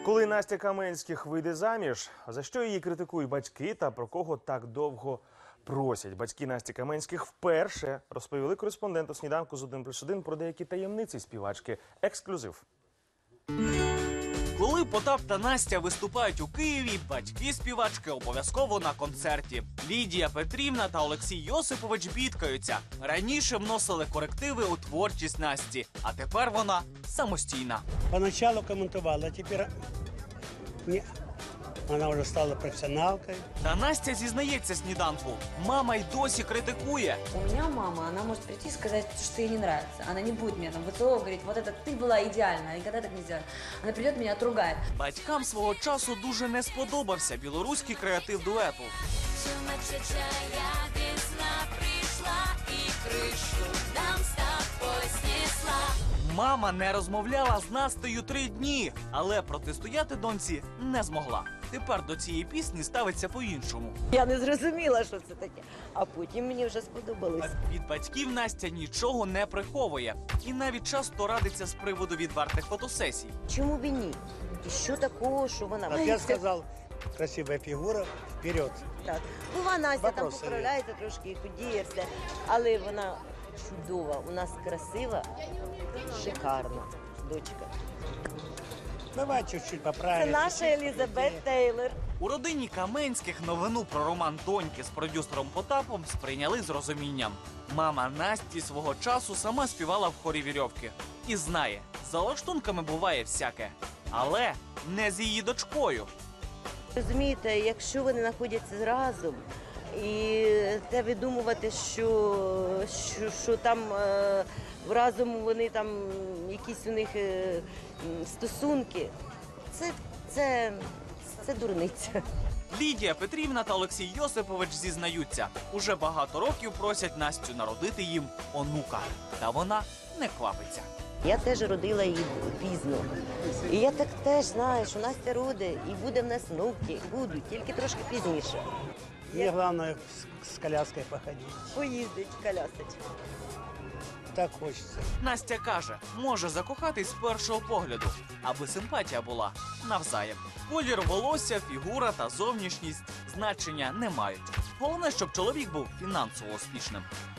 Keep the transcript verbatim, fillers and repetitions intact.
Коли Настя Каменських вийде заміж, за що її критикують батьки та про кого так довго просять? Батьки Насті Каменських вперше розповіли кореспонденту «Сніданку» з один плюс один про деякі таємниці співачки. Ексклюзив. Коли Потап та Настя виступають у Києві, батьки співачки обов'язково на концерті. Лідія Петрівна та Олексій Йосипович бідкаються. Раніше вносили корективи у творчість Насті, а тепер вона самостійна. Поначалу коментувала, а тепер ні. Вона вже стала професіоналкою. Та Настя зізнається «Сніданку». Мама й досі критикує. У меня мама, она может прийти и сказать, что ей не нравится. Она не будет меня там выцеловывать, говорить, вот это ты была идеальна, никогда так не сделала. Она придет, меня отругает. Батькам свого часу дуже не сподобався білоруський креатив дуету. Мама не розмовляла з Настею три дні, але протистояти доньці не змогла. Тепер до цієї пісні ставиться по-іншому. Я не зрозуміла, що це таке, а потім мені вже сподобалось. Від батьків Настя нічого не приховує. І навіть часто радиться з приводу відвертих фотосесій. Чому б і ні? І що такого, що вона... Як я сказав, красива фігура, вперед. Так. Бува, Настя там Вопроси поправляється трошки, худіє все, але вона чудова, у нас красива, шикарна дочка. Давай чуть-чуть Це поправимо. наша Елізабет Тейлор. У родині Каменських новину про роман доньки з продюсером Потапом сприйняли з розумінням. Мама Насті свого часу сама співала в хорі «Вірьовки». І знає, за лаштунками буває всяке. Але не з її дочкою. Розумієте, якщо вони знаходяться разом, і те видумувати, що, що, що там е, разом вони там, якісь у них е, стосунки, це, це, це дурниця. Лідія Петрівна та Олексій Йосипович зізнаються, уже багато років просять Настю народити їм онука. Та вона не квапиться. Я теж родила її пізно. І я так теж знаю, що Настя родить і буде в нас внуки, будуть, тільки трошки пізніше. Мені головне з коляскою походити. Поїздить, колясить. Так хочеться. Настя каже, може закохатись з першого погляду, аби симпатія була навзаєм. Колір волосся, фігура та зовнішність значення не мають. Головне, щоб чоловік був фінансово успішним.